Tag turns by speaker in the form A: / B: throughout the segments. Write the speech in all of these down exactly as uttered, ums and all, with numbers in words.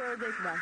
A: ördek var.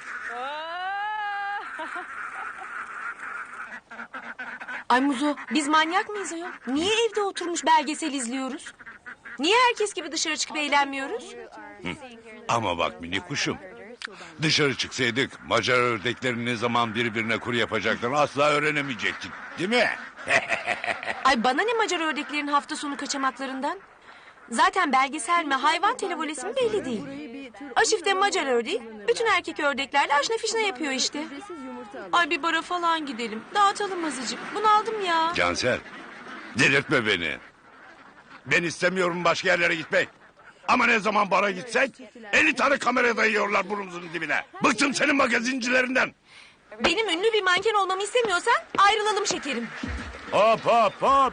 B: Ay Muzo, biz manyak mıyız ayol? Niye evde oturmuş belgesel izliyoruz? Niye herkes gibi dışarı çıkıp eğlenmiyoruz?
C: Hı. Ama bak mini kuşum. Dışarı çıksaydık Macar ördeklerin ne zaman birbirine kuru yapacaklarını asla öğrenemeyecektik. Değil mi?
B: Ay bana ne Macar ördeklerin hafta sonu kaçamaklarından? Zaten belgesel mi hayvan televolesi mi belli değil. Aşif'te Macar ördeği bütün erkek ördeklerle aşna fişne yapıyor işte. Ay bir bara falan gidelim. Dağıtalım azıcık. Bunaldım ya.
C: Cansel, delirtme beni. Ben istemiyorum başka yerlere gitmek. Ama ne zaman bara gitsek elli tane kamera dayıyorlar burnumuzun dibine. Bıktım senin magazincilerinden.
B: Benim ünlü bir manken olmamı istemiyorsan ayrılalım şekerim.
C: Hop hop hop.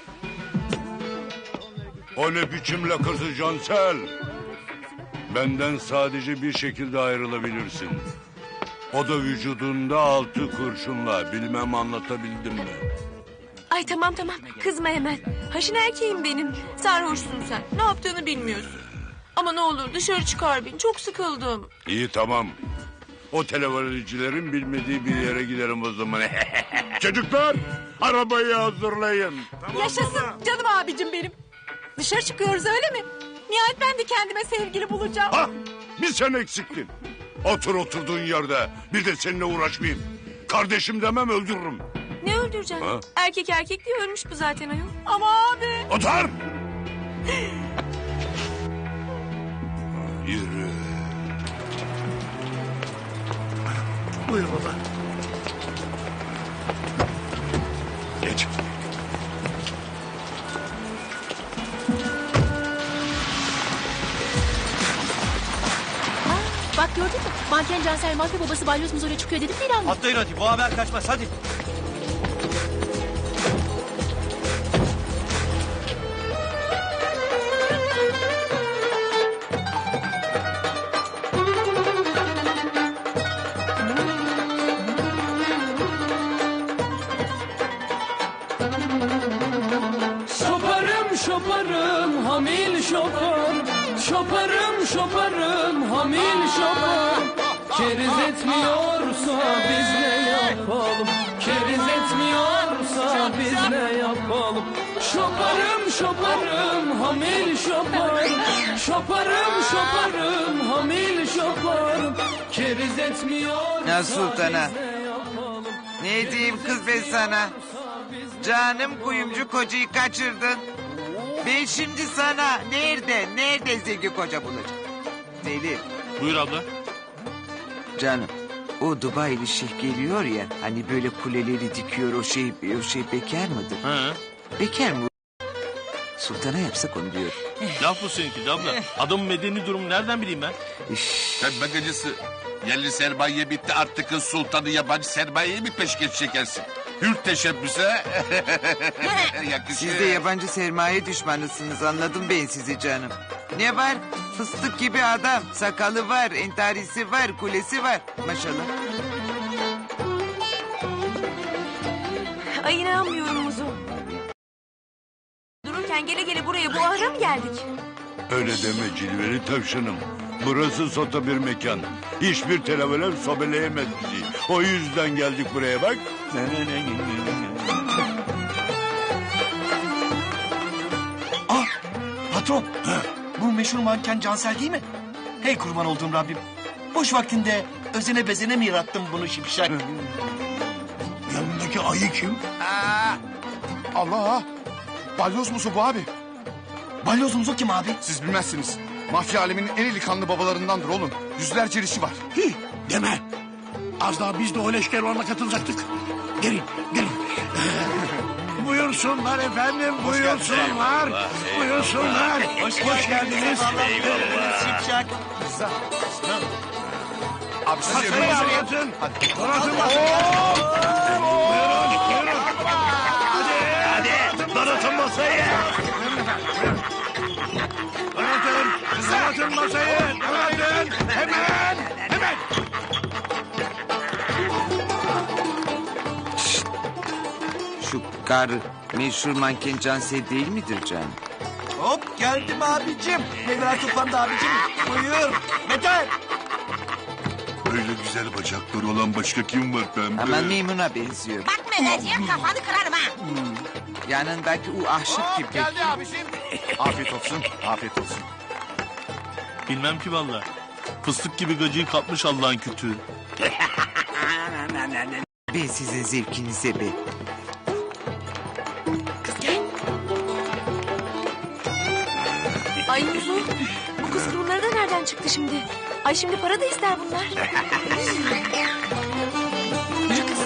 C: O ne biçim lakası Cansel? Benden sadece bir şekilde ayrılabilirsin. O da vücudunda altı kurşunla. Bilmem anlatabildim mi?
B: Ay tamam tamam kızma hemen. Haşin erkeğim benim. Sarhoşsun sen. Ne yaptığını bilmiyorsun. Ama ne olur dışarı çıkar beni. Çok sıkıldım.
C: İyi tamam. O televizyoncuların bilmediği bir yere giderim o zaman. Çocuklar arabayı hazırlayın.
B: Tamam, yaşasın baba. Canım abicim benim. Dışarı çıkıyoruz öyle mi? Nihayet ben de kendime sevgili bulacağım.
C: Ha, bir sen eksiktin. Otur oturduğun yerde. Bir de seninle uğraşmayayım. Kardeşim demem öldürürüm.
B: Ne öldüreceğim? Ha? Erkek erkek diye ölmüş bu zaten ayol. Ama abi.
C: Otur. Yürü.
D: Buyur baba.
C: Geç.
E: Bak gördün mü? Manken Cansel mafya babası Balyoz Muzo'yla çıkıyor dedim mi İlhan?
F: Atlayın hadi bu haber kaçmaz hadi.
G: Şoparım şoparım hamil şopar. Şoparım şoparım hamil şopar. Keriz etmiyorsa biz ne yapalım? Keriz etmiyorsa biz ne yapalım? Şoparım şoparım hamil şopar. Şoparım şoparım hamil şopar. Keriz etmiyorsa
H: Ya sultana.
G: biz ne yapalım?
H: Ne diyeyim kız ben sana? Canım kuyumcu kocayı kaçırdın. Ben şimdi sana nerede, nerede zengin koca bulacağım? Deli.
F: Buyur abla.
H: Canım, o Dubai'li şeyh geliyor ya, hani böyle kuleleri dikiyor o şey, o şey bekar mıdır?
F: He.
H: Bekar mı? Sultana yapsak onu diyor.
F: Laf bu seninki de abla. Adamın medeni durumu nereden bileyim ben?
I: Sen bagacısı. Yerli sermaye bitti artık kız sultanı yabancı sermayeye mi peşkeş çekersin? Hür teşebbüse yakışır.
H: Siz de yabancı sermaye düşmanısınız, anladım ben sizi canım. Ne var? Fıstık gibi adam, sakalı var, entarisi var, kulesi var. Maşallah.
B: Ay inanmıyorum Muzo. Dururken gele gele buraya bu ahıra mı geldik?
C: Öyle deme cilveli tavşanım. Burası sota bir mekan. Hiçbir televeler sobeleyemez bizi. O yüzden geldik buraya bak.
F: Ah patron. Bu meşhur manken Cansel değil mi? Hey kurban olduğum Rabbim. Boş vaktinde özene bezene mi yarattın bunu şipşak?
D: Yanındaki ayı kim?
H: Aa,
D: Allah! Balyoz musu bu abi?
F: Balyoz Muzo kim abi?
D: Siz bilmezsiniz. Mafya aleminin en eli kanlı babalarındandır oğlum. Yüzlerce işi var.
J: Hi, deme. Az daha biz de o leşker ona katılacaktık. Gelin, gelin. Buyursunlar efendim, buyursunlar. Buyursunlar.
F: Hoş,
J: Hoş geldiniz.
F: Şipşak.
D: Abi siz
J: Masayı
D: yemeğinizi yiyin.
J: anlatın. Donatın masayı. Buyurun, buyurun. Hadi, hadi. Donatın masayı. Donatın, donatın masayı. Donatın. Hemen, hemen.
H: şu karı meşhur manken Cansel değil midir canım?
F: Hop geldim abicim. Meyveler toplandı abicim. Buyur. Beter.
I: Böyle güzel bacakları olan başka kim var pembe?
H: Ama Meymun'a benziyor.
A: Bak Mehmetciğim kafanı kırarım ha.
H: Yanındaki o ahşap kim peki?
D: Afiyet olsun, afiyet olsun.
K: Bilmem ki valla. Fıstık gibi gacıyı kapmış Allah'ın kütüğü.
H: Ben sizin zevkinize be.
B: Ay Muzu, bu kız bunları da nereden çıktı şimdi? Ay şimdi para da ister bunlar. Yürü kız.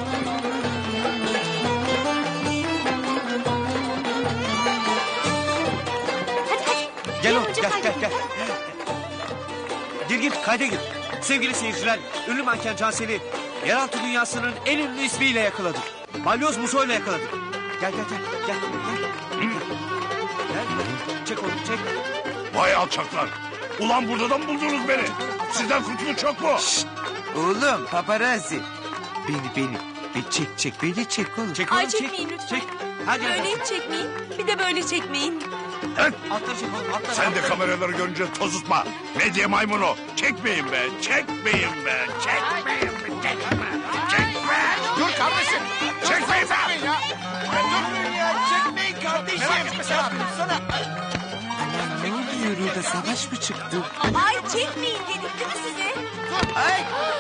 B: Hadi hadi.
F: Gel oğlum
B: önce
F: gel
B: kayda.
F: gel gel. Gir gir kayda gir. Sevgili seyirciler, ünlü manken Cansel'i yeraltı dünyasının en ünlü ismiyle yakaladık. Balyoz Muso'yla yakaladık. Gel gel gel gel gel. Gel. Çek oğlum çek.
J: Vay alçaklar. Ulan burada da mı buldunuz beni? Sizden kurtuluş çok mu?
H: Oğlum paparazzi. Beni beni. Bir çek çek beni çek oğlum.
F: Çek oğlum
B: Ay
F: çek.
B: çekmeyin lütfen.
F: Çek. Hadi
B: Böyle
F: hadi.
B: hiç çekmeyin. Bir de böyle çekmeyin.
F: Atları çek oğlum atları.
J: Sen de
F: atları.
J: kameraları görünce tozutma. Medya maymunu. Çekmeyin be, çekmeyin be, çekmeyin be, çekme. Çekme.
D: Dur kardeşim.
J: Çekmeyin be.
D: Ya. Dur ya, çekmeyin kardeşim. Merak etme sen. Sana.
H: Ne oluyor orada savaş mı çıktı?
B: Ay çekmeyin dedik değil mi size?
H: Ay.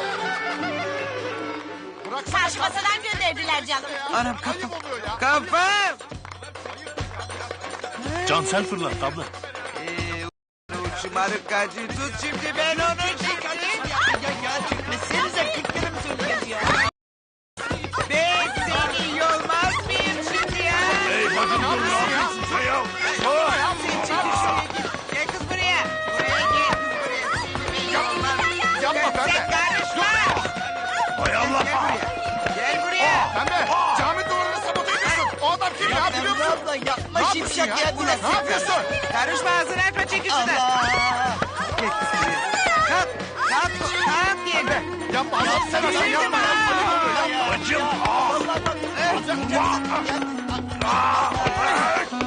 A: Karşı masadan gönderdiler canım.
H: Anam kafam. Kafam.
K: Cansel fırlat abla.
H: Ee, o şımarık gacıyı tut şimdi ben onu çıkarayım. Ben seni iyi olmaz mıyım şimdi ya?
J: Hey bacım dur ne yapıyorsun sen ya?
H: Sen çekil şuraya git. Gel kız buraya. Buraya gel kız buraya. Seni iyi olmaz.
D: Yapma
H: Sen
D: pembe.
H: karışma.
J: Hay Allah.
H: Gel buraya. Gel buraya.
D: Pembe. Cami duvarını sabote ediyorsun. O adam kim ya biliyor musun?
H: Abla yapma
D: Ne yapıyorsun ya? Ne yapıyorsun?
H: Karışma ağzını açma çekil şuradan. Gel kız buraya. Kalk. Kalk. Kalk yerden.
D: Yapma Allah'ını seversen yapma.
J: Bacım. Aa.